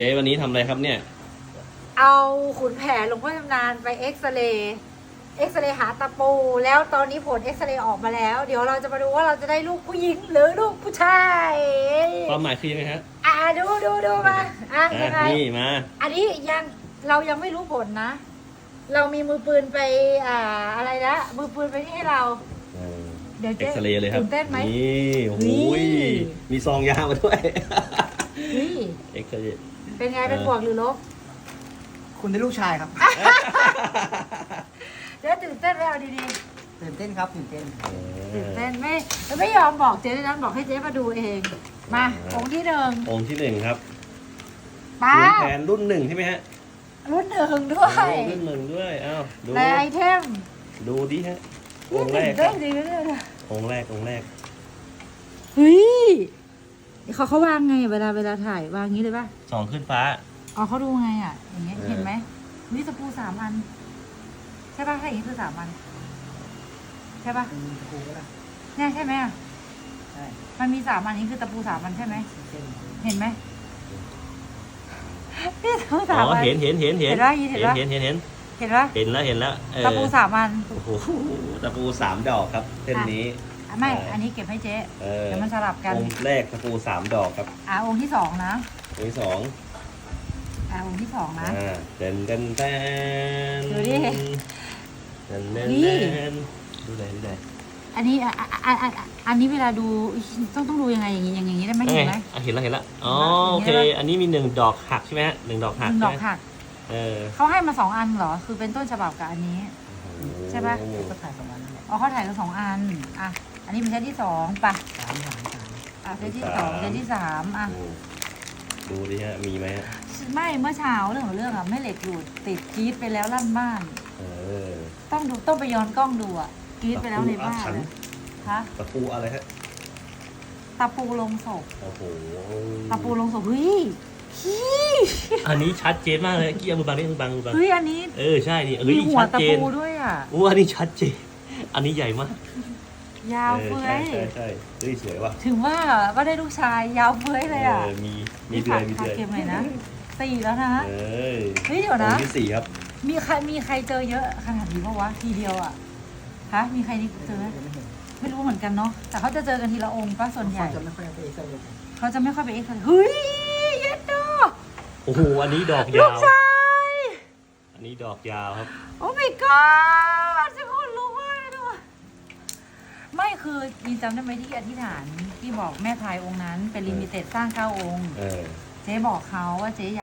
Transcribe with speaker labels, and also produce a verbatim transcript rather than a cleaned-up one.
Speaker 1: เจ๊วันนี้ทำอะไรครับเนี่ย
Speaker 2: เอาขุนแผนหลวงพ่อชำนาญไปเอ็กซเรย์เอ็กซเรย์หาตะปูแล้วตอนนี้ผลเอ็กซเรย์ออกมาแล้วเดี๋ยวเราจะมาดูว่าเราจะได้ลูกผู้หญิงหรือลูกผู้ชาย
Speaker 1: ความหมายคือยังไงฮะ
Speaker 2: อ่าดูดูดูมาอ่ะยังไง
Speaker 1: นี่มา
Speaker 2: อันนี้ยังเรายังไม่รู้ผลนะเรามีมือปืนไปอ่าอะไรนะมือปืนไปนี่ให้เรา
Speaker 1: เดี๋ยวเอ็กซเรย์เลยครับ
Speaker 2: ตื่นเต้นไหม
Speaker 1: นี่โอ้ยมีซองยามาด้วย
Speaker 2: นี่
Speaker 1: เอ็กซเรย์
Speaker 2: เป็นไงเป็นบวกหรือลบ
Speaker 3: คุณได้ลูกชายครับ
Speaker 2: เจ๊ตื่นเต้นไหมเอาดี
Speaker 3: ๆตื่นเต้นครับตื่นเต้น
Speaker 2: ตื่นเต้นไม่ไม่ยอมบอกเจ๊ด้วยนะบอกให้เจ๊มาดูเองมาองค์ที่หนึ่ง
Speaker 1: องค์ที่หนึ่งครับ
Speaker 2: ป้า
Speaker 1: แผนรุ่นหนึ่งใช่ไหมฮะ
Speaker 2: รุ่นหนึ่งด้วย
Speaker 1: รุ่นหนึ่งด้วยอ้าวดู
Speaker 2: ในไอเทม
Speaker 1: ดูดิฮะองค์แรกครับองค์แรกองค์แรก
Speaker 2: เฮ้ยเขาเขาวางไงเวลาเวลาถ่ายวางงี้เลยป่ะ
Speaker 1: สองขึ้นฟ้า
Speaker 2: อ๋อเขาดูไงอ่ะอย่างเงี้ยเห็นไหมนี่ตะปูสามอันใช่ป่ะถ้าอย่างนี้คือสามอันใช่ป่ะ
Speaker 3: ตะปูก็ได้
Speaker 2: เนี่ยใช่ไหมอ่ะ
Speaker 3: ใช่
Speaker 2: มันมีสามอันนี้คือตะปูสามอันใช่ไหมเห็นไหมนี่ตะปูสามอัน
Speaker 1: เห็นเห็นเห็นเห็น
Speaker 2: เห็นเห็น
Speaker 1: เห็นเห็น
Speaker 2: เห็นป่ะ
Speaker 1: เห็นแล้วเห็นแล้ว
Speaker 2: ตะปูสามอัน
Speaker 1: โอ้โหตะปูสามดอกครับเส้นนี้
Speaker 2: ไม่อันนี้เก็บให้เจ๊เดี๋ยวมันสลับกัน
Speaker 1: องค์แรกตะปูสามดอกครับ
Speaker 2: อ่าองค์ที่สองนะ
Speaker 1: องค์ที่สอง
Speaker 2: อ่าองค์ที่สองนะ
Speaker 1: เต้นเต้นเต้น
Speaker 2: ดูดิ
Speaker 1: เต้นเต้นเต้นดูเลยดูเลย
Speaker 2: อันนี้อ่ะอ่ะอ่ะอันนี้เวลาดูต้องต้องดูยังไงอย่างนี้อย่างนี้ได้ไหมเห็นไหม
Speaker 1: เห็นแล้วเห็นแล้วอ๋อโอเคอันนี้มีหนึ่งดอกหักใช่ไหมฮะหนึ่งดอกหัก
Speaker 2: หนึ่งดอกหัก
Speaker 1: เออ
Speaker 2: เขาให้มาสองอันเหรอคือเป็นต้นฉบับกับอันนี้ใช่ป่ะ
Speaker 3: ก็ถ่ายสองอันนั่นแหละ
Speaker 2: อ๋อเขาถ่ายกันสองอันอ่ะอันนี้เป็นเซตที่สองป่ะ
Speaker 3: สามสามสาม
Speaker 2: อ่ะเซตที่สองเซตที่สามอ่ะ
Speaker 1: ดูดิฮะมีไหมฮะ
Speaker 2: ไม่เมื่อเช้าเรื่องของเรื่องอ่ะไม่เหล็กหลุดติดกรีดไปแล้วลั่นบ้านต้องดูต้องไปย้อนกล้องดูอ่ะกรีดไปแล้วในบ้านฮะ
Speaker 1: ตะปูอะไรฮะ
Speaker 2: ตะปูลงศพ
Speaker 1: โอ้โห
Speaker 2: ตะปูลงศพเฮ้ย
Speaker 1: อันนี้ชัดเจนมากเลยกี้เอามือบังนี่มือบังมือบัง
Speaker 2: เฮ้ยอันนี้
Speaker 1: เออใช่นี่เฮ้ย
Speaker 2: มีหัวตะปูด้วยอ่ะ
Speaker 1: โอ้อันนี้ชัดเจนอันนี้ใหญ่มาก
Speaker 2: ยาวเฟ้ย
Speaker 1: ใช่ใช่เฮ้ยสวยว่ะ
Speaker 2: ถึงว่าก็ได้ลูกชายยาวเฟ้ยเลยอ่ะ
Speaker 1: มีมีเดือยมีเดือย
Speaker 2: เกมไหนนะสี่แล้วนะ
Speaker 1: เ
Speaker 2: ฮ้ยเดี๋ยวนะ
Speaker 1: ที่สี่ครับ
Speaker 2: มีใครมีใครเจอเยอะขนาดนี้ปะวะทีเดียวอ่ะฮะมีใครนี่เจอไหมไม่รู้เหมือนกันเนาะแต่เขาจะเจอกันทีละองค์ป่ะส่วนใหญ่
Speaker 3: เขาจะไม่ค่อยไปเอ็กซเรย์
Speaker 2: เขาจะไม่ค่อยไปเอ็กซเรย์เฮ้ยเย็ดดอก
Speaker 1: โอ้โหอันนี้ดอกยาว
Speaker 2: ลูกชาย
Speaker 1: อันนี้ดอกยาวครับ
Speaker 2: โอ้ my god จะคนรู้ว่าด้วยไม่คือยินจำได้ไหมที่อธิษฐานที่บอกแม่พายองค์นั้นเป็นลิมิเต็ดสร้างเก้าองค์เจ๊บอกเขาว่าเจ๊